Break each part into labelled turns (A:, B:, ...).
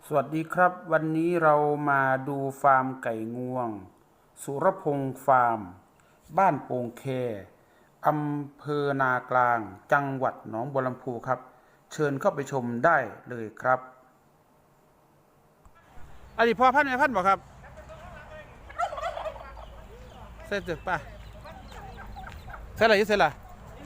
A: สวัสดีครับวันนี้เรามาดูฟาร์มไก่งวงสุรพงษ์ฟาร์มบ้านโป่งแคอำเภอนากลางจังหวัดหนองบัวลำพูครับเชิญเข้าไปชมได้เลยครับอันนี้พ่อพันธุ์แม่พันธุ์บอกครับเสร็จจึกป่ะเสร็จอะไรอยู่เสร็จละ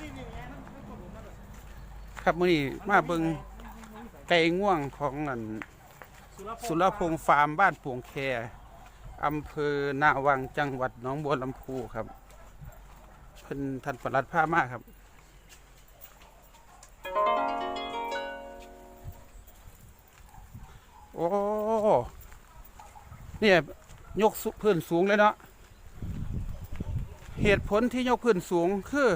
A: ครับมื้อนี้มาเบิ่งไก่ง่วงของนั่นสุรพงษ์ฟาร์มบ้านโป่งแคอำเภอนาวังจังหวัดหนองบัวลำพูครับเพิ่นท่านปลัดผ้ามากครับโอ้เนี่ยยกพื้นสูงเลยเนาะเหตุผลที่ยกพื้นสูงคือ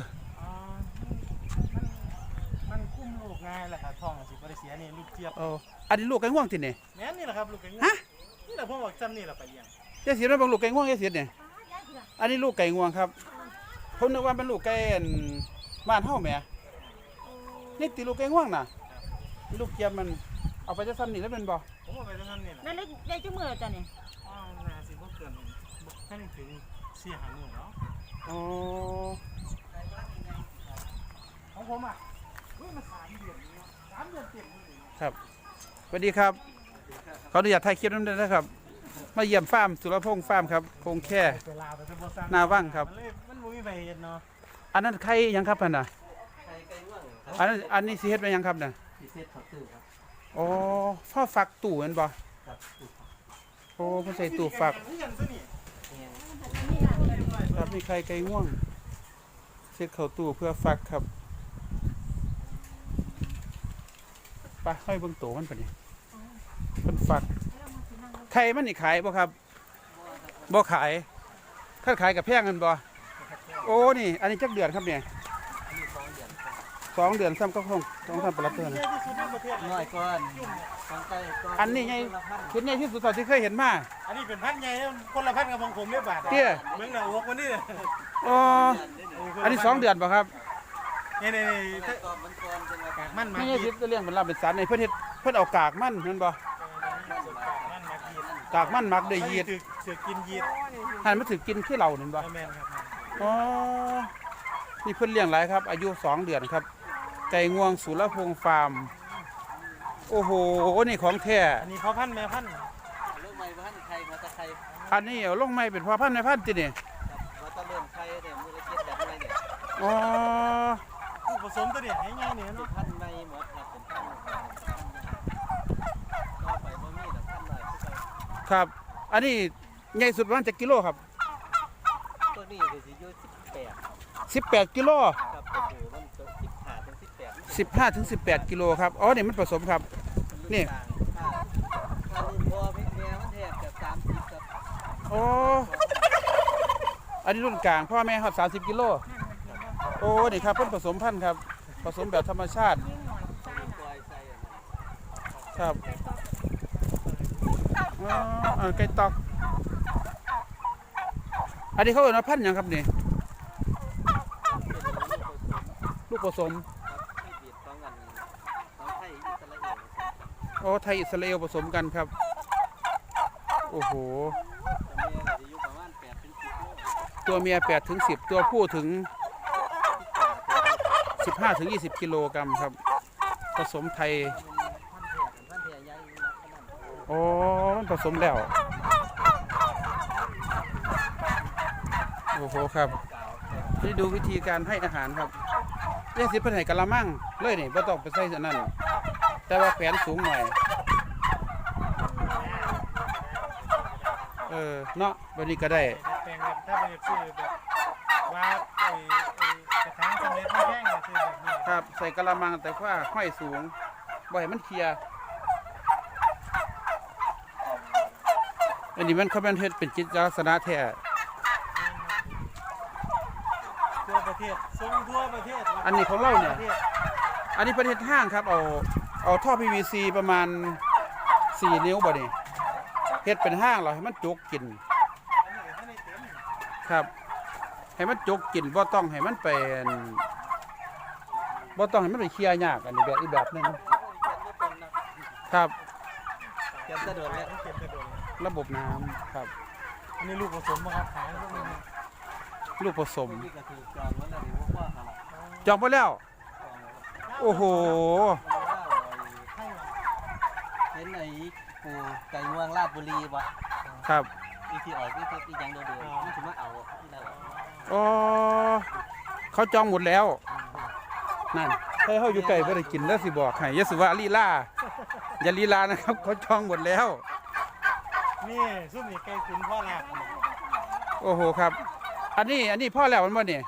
B: มันคุ้มลูกง่ายแหละครับท้องสิบริเสียนี่ลูกเจี๊ยบ
A: อันนี้ลูกไก่ง่วงที่นี่
B: แม่นี่แหละครับลูกไก่ง่วงนี่แหละผมบอกจำนี่แหละไปเลี้ยง
A: ยายเสียแล้วบางลูกไก่ง่วงยายเสียเนี่ยอันนี้ลูกไก่ง่วงครับผมนึกว่าเป็นลูกไก่บ้านเฮาแหมนี่ตีลูกไก่ง่วงน่ะลูกเจี๊ยบมันเอาไปจะซ้ำนี่แล้วเป็นบ่
B: ผมเอาไปจำนี่แหละ
C: นั่นได้จุ่มือจ้ะนี่
B: น่าสิบ่เกินแค่ถึง4-5 มื้อเนาะ
A: อ๋อ
B: ของผมอ่ะมัน3 เดือนนี่3 เดือนเต็มเลย
A: ครับสวัสดีครับขออนุญาตถ่ายคลิปนั้นด้วยนะครับมาเยี่ยมฟาร์มสุรพงษ์ฟาร์มครับพงแค่นาว่างครับ
B: มันบ่มีใบเฮ็ดเนาะ
A: อันนั้นไข่ยังครับน่ะ
B: ไข่ไก่ง่วง
A: อันนี้สิเฮ็ดไปยังครับน่ะ
B: สิเฮ็ดข้าวตื้อครับ
A: อ๋อพ่อฟักตู้แม่นบ่
B: ครับ
A: โอ้เพิ่นใส่ตู้ฟักครับมีไข่ไก่ง่วงเช็ดเข้าตู้เพื่อฟักครับไปให้เบิ่งโตมันปะนี่เพิ่นฟักไข่มันนี่ขายบ่ครับบ่ขายถ้าขายกับแพงกันบ่โอ้นี่อันนี้จักเดือนครับเนี่ย2 เดือนซ้ำก็คงต้องทำประหลัดเตือน
B: น้อยก่อนของไก่
A: อันนี้ไงเห็นไงที่สุดที่เคยเห็นมา
B: อันนี้เป็นพันใหญ่คนละพันกับของผมเนี่ยบาท
A: เตี้ย
B: เมืองหนาวกวันนี้
A: อ๋ออันนี้2 เดือนป่ะครับ
B: นี่มันมา
A: นี่ที่เลี้ยงเป็นลาเป็นสันในเพิ่นเอากากมันเห็นบ่กากมันมักด้วยยีด
B: เสือกินยีด
A: หันมาถือกินขี้เหล่าเห็นบ่อ๋อนี่เพิ่นเลี้ยงหลายครับอายุ2 เดือนครับไก่งวงสุรพงษ์ฟาร์มโอ้โหนี่ของแท้
B: อันนี้พ่อพันธุ์แม่พันธุ์
D: ลูกใหม่พันธุ์ไข่มาตะไข่
A: อันนี้เอาลงไม้เป็นพ่อพันธุ์แม่พันธุ์ตินี่
D: มาตะเริ่มไข่เนี่ยมือละ7 แบบอะไรเนี่ย
A: อ๋อ
B: ผู้ผสมตัวนี้ให้ง่ายเนี่ยเนาะ
D: พันธุ์ใหม่หมดครับเป็นพันธุ์ต่อไปบ่มีแต่พันธุ์ใหม่
A: ครับอันนี้ใหญ่สุดประมาณ7 กิโลครับ
D: ตัวนี้ก็สิอยู่
A: 18 กิโล
D: ครับก็คือมัน
A: 15 ถึง 18 กิโลครับอ๋อนี่มันผสมครับนี่
D: ถ้ารุ่นพ่อพี่แม่มันแทบจะ30ครับ
A: อ๋ออันนี้รุ่นกลางพ่อแม่ครับ30 กิโลโอ้นี่ครับเพิ่นผสมพันธุ์ครับผสมแบบธรรมชาติครับอ๋อไก่ตอกอันนี้เขาเรียกว่าพันธุ์หยังครับนี่ลูกผสมโอ้ไทยอิสราเอลผสมกันครับโอ้โหตัวเมีย8 ถึง 10ตัวผู้ถึง15 ถึง 20 กิโลกรัมครับผสมไทยโอ้ผสมแล้วโอ้โหครับนี่ดูวิธีการให้อาหารครับเรียกสิเพิ่นให้กะละมังเลยนี่บ่ต้องไปใส่อันนั้นแต่ว่าแขวนสูงหน่อยเนาะแบบนี้ก็ได้
B: แปลงแบบถ้าไปซื้อแบบว่ากระถางสำเร็จไม่แพงเลยซื้อแบบนี้
A: ครับใส่กะละมังแต่ว่าห้อยสูงบ่ให้มันเคลียร์อันนี้มันเขาเป็นเฮ็ดเป็นจิตลักษณะแท้
B: ทั่วประเทศส่งทั่วประเทศ
A: อันนี้ของเราเนี่ยอันนี้ประเทศห้างครับเอาท่อ PVC ประมาณ4 นิ้วบ่นี่เฮ็ดเป็นห้างเราให้มันจุกกินครับให้มันจุกกินบ่ต้องให้มันเป็นบ่ต้องให้มันไปเคลียร์ยากอันนี้แบบอีกแบบนึงครับ
B: เ
D: ก็บกระโดดแล้ว
B: เก็บกระโดด
A: ระบบน้ำครับ
B: อันนี้ลูกผสมมาครับขายพวกนี้
A: ลูกผสม
D: นี่ก็ถือจองไว้แล้วนี่ว่าว่าอะไร
A: จองไปแล้ว โอ้โห
D: เห็นไอ้ปูไก่งวงราชบุรีบ่
A: ครับ
D: อีที่ออกที่ที่ยังโดดๆนี่ถือว่าเอาที่นั่นแหละ
A: อ๋อเขาจองหมดแล้วนั่นให้เขาอยู่ไกลบ่ได้กินแล้วสิบอกให้อยาสิว่าลีลาอย่าลีลานะครับเขาจองหมดแล้ว
B: นี่ซุ่มนี่ไก่ขุนพ่อหลัก
A: โอ้โหครับ อันนี้พ่อแล้วมันบ่เนี่ย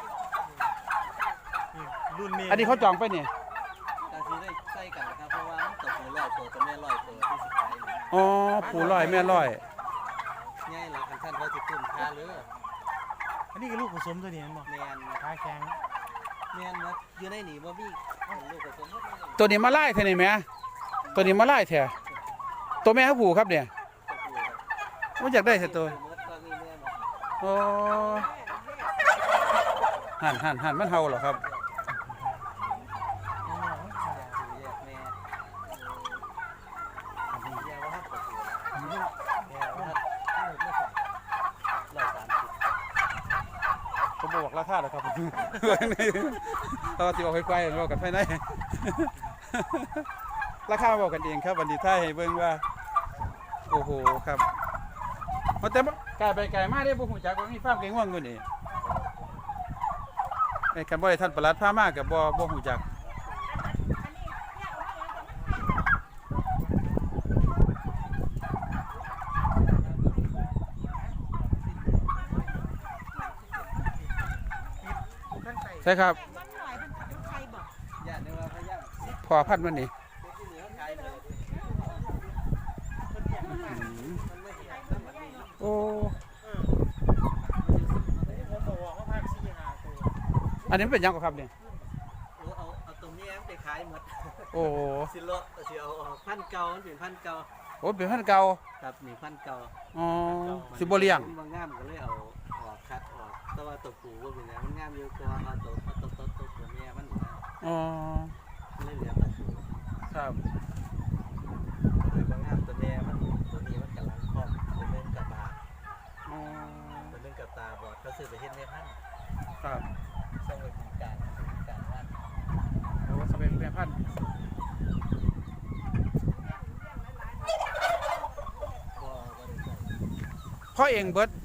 B: รุ่นนี้
A: อันนี้เขาจองไปเนี่ย
D: การซื้อได้ใส่กันนะครับเพราะว่ามันตกหัวลอยตัวแม่ลอยตัวที่สุดท้ายนี่
A: อ๋อปู่ลอยแม่ลอย
D: ง่ายหลักกันท่านเขาจะคุ้มค่าหรือ
B: อันนี้คือลูกผสมตัวนี้เห็นบ่
D: แมน
B: ขาแข็ง
D: แมนนะอยู่ในหนีบ่มีลูกผสม
A: ตัวนี้มาไล่เท่านี่แหม่ตัวนี้มาไล่แท้ตัวแม่เขาผูครับเนี่ยมันอยากได้แต่ตัวอ๋อหันมันเฮาเหรอครับผมบอกราคาเหรอครับ เราสิบอกไปๆบอกกันภายใน ราคาบอกกันเองครับวันนี้ถ้าให้เบิ่งว่าโอ้โหครับแต่ไก่ไปไก่มาได้บ่ฮู้จักว่ามีฟาร์มไก่ง่วงอยู่นี่ไอ้คันบ่ได้ท่านประหลัดพามาก็บ่ฮู้จักใช่ครับ
C: มันหน่อยมันใครบอก
D: ย่านในว่าพยายาม
A: พอพันธุ์มันนี่
D: ที่เหนือขายเลย มันไม่เห็นน้ำมันนี่
A: โอ้
B: ผมบอกว่าภาค4-5ตัว
A: อันนี้มันเป็นหยังกว่าครับเนี่ย
D: เอาตรงนี้ไปขายหมด
A: โอ้
D: สิโลสิเอาพันเก่ามันเป็นพันเก่า
A: โอ้เป็นพันธุ์เก่า
D: ครับนี่พันเก่า
A: อ๋อสิบ่เลี้ยง
D: บางงามก็เลยเอาออกคัดออกแต่ว่าตัวปูว่าเป็นไงมันงามอยู่กว่าเอาตัวแม่มันนะ
A: อ๋อ
D: เลยเหลือตัวปู
A: ครับ
D: เลยบางงามตัวแม่มันตัวนี้มันกำลังครอบตัวนึงกับบา
A: อ๋อ
D: ตัวนึงกับตาบอดเขาซื้อไปเฮ็ดแม่พันธุ์
A: ครับ
D: ส่งไปกินการวัด
A: โอ้สเปนแม่พันธุ์
D: บ่ได้ใส่
A: พ่อเองเบิด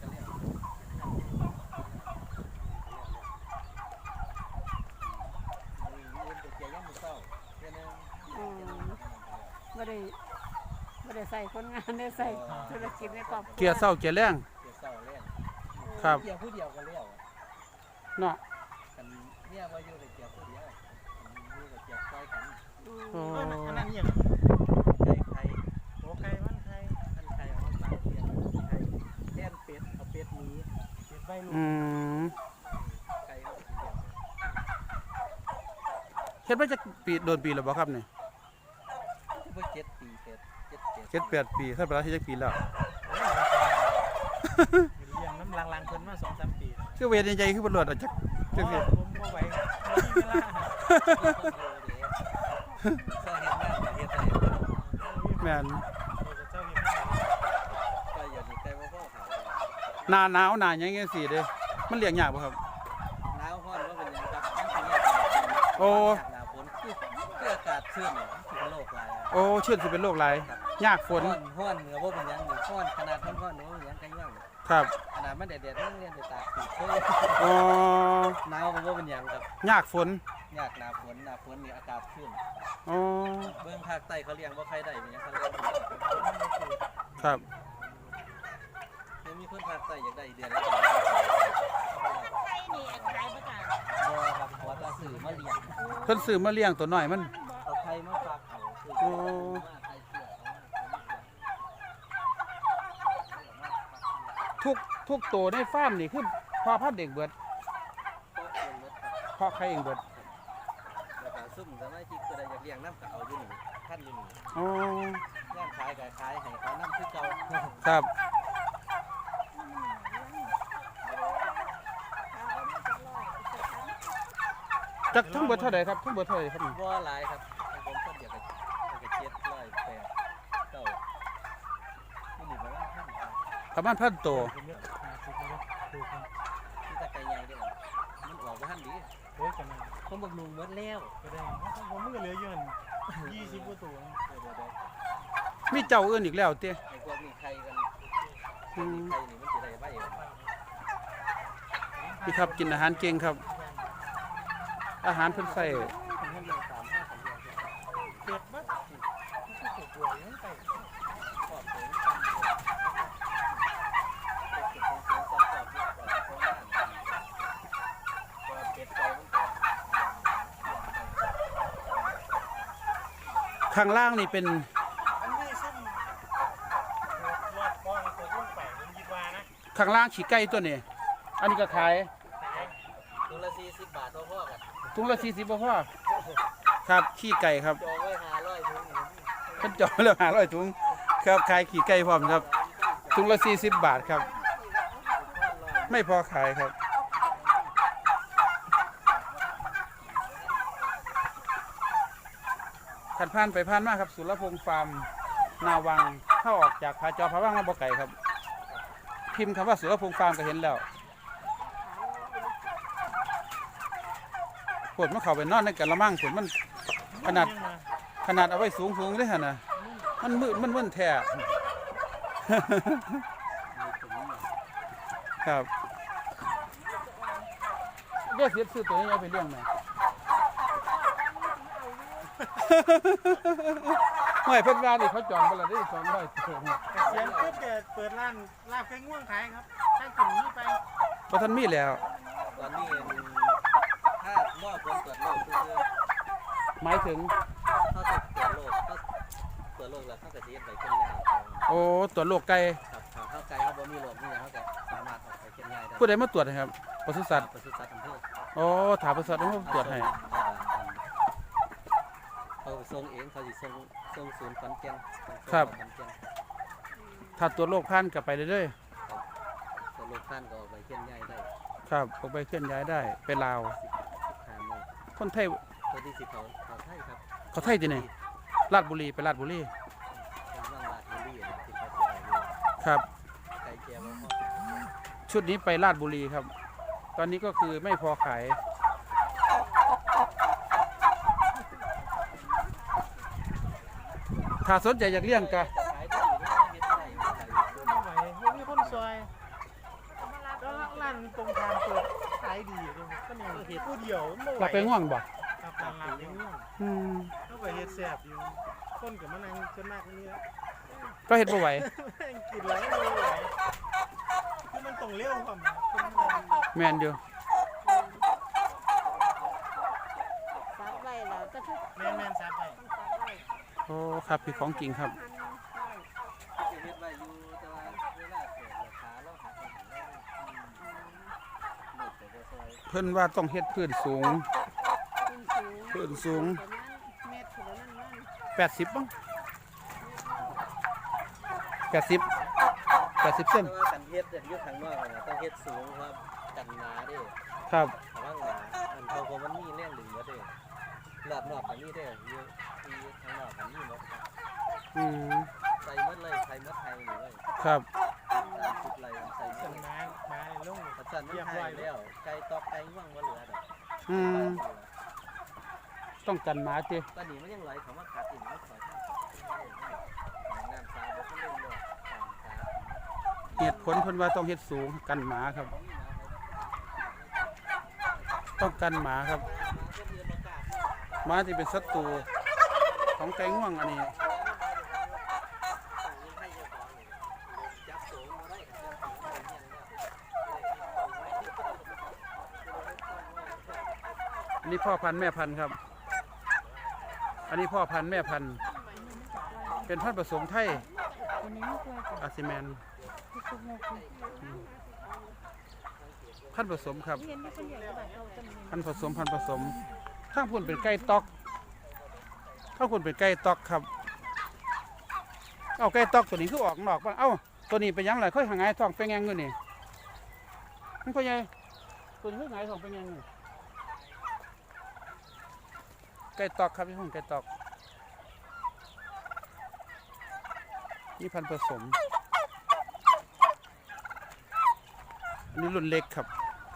C: ไม่ได้ไม่ได้ใส่คนงานได้ใส่ธุรกิจในครอบครัว
A: เกียร์เศร้าเกียร์แรง ครับ
D: เกี่ยวผู้เดียวกันแล้ว
A: เนาะ
D: กันเนี่ยว่าอยู่กับเกี่ยวผู้เดียวอยู่กับเกี่ยวคอยกัน
A: โอ้
B: อันนั้นอย่าง
D: ไก่ไข่
B: โอ้ไก่มันไข่
D: ท่านไข่เอามาปากเกี่ยวไข่แท่นเป็ดเอาเป็ดหนี้
B: เก็บใบลูก
A: อืม
D: ไก่เอาเกี่ยว
A: เฮ็ดมาจากปีโดนปีแล้วบ่ครับเนี่ย
D: เพิ่ง7 ปีเป็ด7
A: เฮ็ด8 ปีท่านประหลัดเฮ็ดจักปีแล้ว
B: เลี้ยงน้ำลังๆเพิ่นมา 2-3 ปี
A: คือเวรใหญ่ๆคือบ่รวดอ่ะจักจักสิ
B: ผมบ่ไหวบ่มีเวลา
D: ใส่เห็ดงานเห็ดใส่
A: แม่น
B: เจ้าเฮ็ดให้
D: ไก่อย่างนี้ไก่ว่าพ่อขาย
A: หน้าหนาวหน้าหยังจังซี่เด้มันเลี้ยงยากบ่ครับ
D: หนาวฮ้อนว่าเป็นยังครับมันสิเนี่ย
A: โอ้
D: หน้าฝนคืออากาศชื้นเนี่ยถึงโลกหลาย
A: โอ้เชื่อสิเป็นโรคหลายยากฝน
D: ฮ้อนเหนือว่าเป็นยังนี่ฮ้อนขนาดฮ้อนๆเนาะยังไก่ย่าง
A: ครับ
D: ขนาดมันแดดๆมันเรียนไปตากปีกเฮ้ย
A: อ๋อ
D: หนาวก็บ่เป็นหยังครับ
A: ยากฝน
D: ยากหนาฝนนี่อากาศชื้น
A: อ๋อ
D: เบื้องภาคใต้เขาเลี้ยงบ่ใครได้เป็นหยังเขาเลี้ยง
A: ครับ
D: ยังมีคนภาคใต้อยากได้เดือนละ
C: ใช่นี่ขายประกาศ
D: บ่ครับขอตาสื่อมาเลี้ยง
A: เพิ่นซื้อมาเลี้ยงตัวน้อยมัน
D: เอาไข่มาฝากเขาคือ
A: โอ้
D: มาไข่เสือเอา
A: ทุกตัวในฟาร์มนี่คือพ่อพันธุ์เด็กเบิด
D: ก็เลี้ยงหมดครับ
A: พ่อใครเองเบิด
D: แล้วก็ซุ่มสมาชิกก็ได้อยากเลี้ยงน้ำก็เอาอยู่นี่ท่านอยู่นี่
A: อ๋
D: า
A: อย่าง
D: ขายก็ขายให้เขาน้ำคือเก่า
A: ครับจักทั้งเบิดเท่าใดครับทั้งเบิดเท่าใดครับนี่
D: บ่หลายครับของผมคนเดียวก็700 8เก้า
A: ประมาณ1,000ตัว
B: ผมเนี่ย50เลยถูกครับ
D: ที่ตะไคร้ใหญ่เด้อมันออกบ่ทันดี
B: โอ้ยกันนะ
D: ผมบักนุงหมดแล้ว
B: ก็ได้ผมมันก็เหลืออยู่20กว่าตัวเดี๋ยว
A: มีเจ้าอื่นอีกแล้วเต้
D: ไอ้พวกนี้ไข่กันพวกนี้ไข่นี่มันสิได้ไว้
A: พี่ครับกินอาหารเก่งครับ อาหารเพิ่นใส่
B: เก็บบัดตัวยังไป
A: ข้างล่างนี่เป็น
B: อันนี้ซุ่มรอดก้อนตัวรุ่นไปผมคิดว่านะ
A: ข้างล่างขี้ไก่ตัวนี้ อันนี้ก็ขาย
D: ตัวละ40 บาทพ่อๆกัน
A: ถุงละ40บ่พอครับขี้ไก่ครับ
D: จองไว้500ถุง
A: เพิ่นจองแล้ว500ถุงครับขายขี้ไก่พร้อมครับถุงละ40 บาทครับ ไม่พอขายครับขันผ่านไปผ่านมาครับสุรพงษ์ฟาร์มนาวังเข้าออกจากผาจอผาว่างมาบ่ไก่ครับ พิมพ์คำว่าสุรพงษ์ฟาร์มก็เห็นแล้วปวดมันเข้าไปนอนในกระมังปวดมันขนาดเอาไว้สูงเลยฮะนะมันมืดมันมึนแท้ ครับเรียกเสียซื้อตัวนี้เอาไปเลี้ยงไหม ไม่เพิ่นว่านี่เขาจองไปแล้วได้200ตัว
B: เสียงปุ๊บแกเปิดร้านลาบแกงง่วงขายครับถ้ากินนี้ไป
A: เพราะท่านมีแล้ว
D: ตอนนี้ถ้าหม้อคนตรวจโรคคือ
A: หมายถึง
D: เขาจะตรวจโรคก็ตรวจโรคแล้วเขาจะเทียบไปเข้มง่าย
A: โอ้ตรวจโรคไก่
D: ครับเข้าใจเขาบ่มีโรคนี่เขาจะสามารถออกไปเข้มง่ายได้
A: ผู้ใดมาตรวจให้ครับปศุสัตว์
D: ปศุสัตว์อำเภอ
A: โอ้ถามปศุสัตว์ต้องตรวจให้
D: เขาส่งเองเขาสิส่งศูนย์ขอนแก่น
A: ถ้าตรวจโรคพันกลับไปเรื่อย
D: ตรวจโรคท่านก็ออกไปเข้มง่ายได้
A: ๆครับออกไปเคลื่อนย้ายได้ไปลาว
D: 15โมง
A: คนไทย
D: ตัวที่10เขาไทยครับ
A: เขาไทยที่ไหนราชบุรีไปราชบุรี
D: เป็นว่างลาดบุรีที่เขาสิไป
A: ครับ
D: ไก่แก้วพ่อ
A: ชุดนี้ไปราชบุรีครับ ตอนนี้ก็คือไม่พอขายถ้าสนใจอยากเลี้ยงกะ
D: ขายได้อยู่นะเฮ็ดได้อยู่ขายอยู่
B: ไม่ไหวยังมีคนซอยก็ร้านตรงทางเปิดขายดีอยู่ด้วยก็เนี่ยเห็ดผู้เดียวไม่ไหว
A: หลับไปง่วงบ่
B: ครับร้านลาบแกงง่วง
A: อืม
B: ก็ไปเฮ็ดแซ่บอยู่คนกับมะนาวส่วนมากนี่ละ
A: ก็เห็ดบ่ไหว
B: แม่งกินแล้วไม่ไหวคือมันต้องเลี้ยวความคนมัน
A: แมนอยู่
C: ซับไว้แล้วก็ทุก
B: แม่นๆซับไป
C: ต้องซับไว้
A: โอ้ครับพี่ของจริงครับ
C: หั่นไว้
D: สิเฮ็ดไว้อยู่แต่ว่าเวลาเกิดราคาเราหักมันแล้วหมดแต่ซอย
A: เพิ่นว่าต้องเฮ็ดพื้นสูง
C: ขึ้นสูง
A: พื้นสูง
C: ประมาณเมตรถึงนั้นนั่น
A: 80บ้าง80เส้น
D: แต่ว่ากันเฮ็ดอยู่ข้างนอกเนี่ยต้องเฮ็ดสูงครับกันหนาเด้
A: ครับ
D: ระวังหนาอันเขาเพราะมันมีแรงดึงมาเด้รอบนอกก็มีเด้อยู่ที่ข้างนอกก็มีหมดครับ
A: อืม
D: ใส่หมดเลยใส่หมดไทยนี่เลย
A: ครับ
D: 30ไร่ใส่หม
B: สั
D: ด
B: น
D: เลย
B: มาลง
D: ปัจจุบันมันหายแล้วไก่ตอกไก่ง่วงบ่เหลือดอก
A: อืมต้องกันหมาติ
D: ตอนนี้มันยังไหลเขามากัดอีกมันขอทางน้ำสาบ่ทันได้เลย
A: เหตุผลเพิ่นว่าต้องเฮ็ดสูงกันหมาครับ ต้องกันหมาครับหมาที่เป็นศัตรูของไก่ง่วงอันนี้อันนี้พ่อพันธุ์แม่พันธุ์ครับ อันนี้พ่อพันธุ์แม่พันธุ์เป็นพันธุ์ผสมไทย
C: วันนี้ไม่เคยจ้ะ
A: อาซิแมน
C: ทุกคนโมกุ
A: พันธุ์ผสมครับ
C: เห็นที่คนเดียวก็แบบเราจะมี
A: พันธุ์ผสมข้างพุ่นเป็นไก่ตอกข้างพุ่นเป็นไก่ตอกครับ เอาไก่ตอกตัวนี้คือออกนอกบ้างเอ้าตัวนี้เป็นหยังไงค่อยหางไงท้องเป็นยังเงินนี่มันก็ใหญ่ตัวนี้คือหางไงท้องเป็นยังไงไก่ตอกครับพี่ห้องไก่ตอกนี่พันธุ์ผสมนี่รุ่นเล็กครับ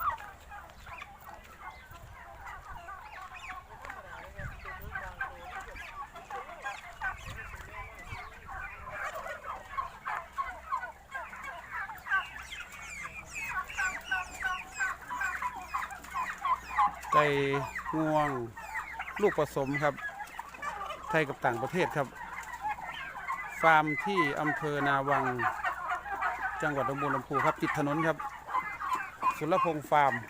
A: ไก่งวงลูกผสมครับไทยกับต่างประเทศครับฟาร์มที่อำเภอนาวังจังหวัดหนองบัวลำพูครับติดถนนครับสุรพงษ์ฟาร์ม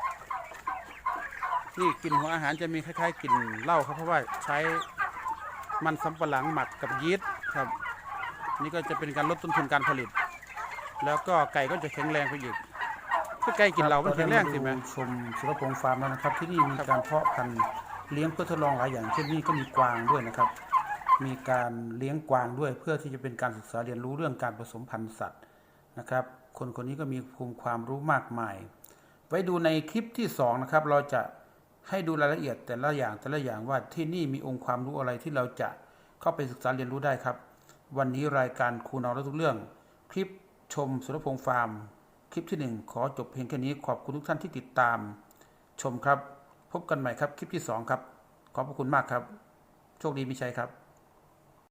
A: นี่กลิ่นหัวอาหารจะมีคล้ายๆกลิ่นเหล้าครับเพราะว่าใช้มันสำปะหลังหมักกับยีสต์ครับนี่ก็จะเป็นการลดต้นทุนการผลิตแล้วก็ไก่ก็จะแข็งแรงไปอีกถ้าไก่กินเหล้ามันแข็งแรงสิแม่
B: ชมสุรพงษ์ฟาร์มแล้วนะครับที่นี่มีการเพาะพันธุ์เลี้ยงเพื่อทดลองหลายอย่างเช่นนี่ก็มีกวางด้วยนะครับมีการเลี้ยงกวางด้วยเพื่อที่จะเป็นการศึกษาเรียนรู้เรื่องการผสมพันธุ์สัตว์นะครับคนคนนี้ก็มีภูมิความรู้มากมายไว้ดูในคลิปที่2นะครับเราจะให้ดูรายละเอียดแต่ละอย่างว่าที่นี่มีองค์ความรู้อะไรที่เราจะเข้าไปศึกษาเรียนรู้ได้ครับวันนี้รายการครูนอรู้ทุกเรื่องคลิปชมสุรพงษ์ฟาร์มคลิปที่1ขอจบเพียงแค่นี้ขอบคุณทุกท่านที่ติดตามชมครับพบกันใหม่ครับคลิปที่2ครับขอบพระคุณมากครับโชคดีมีชัยครับ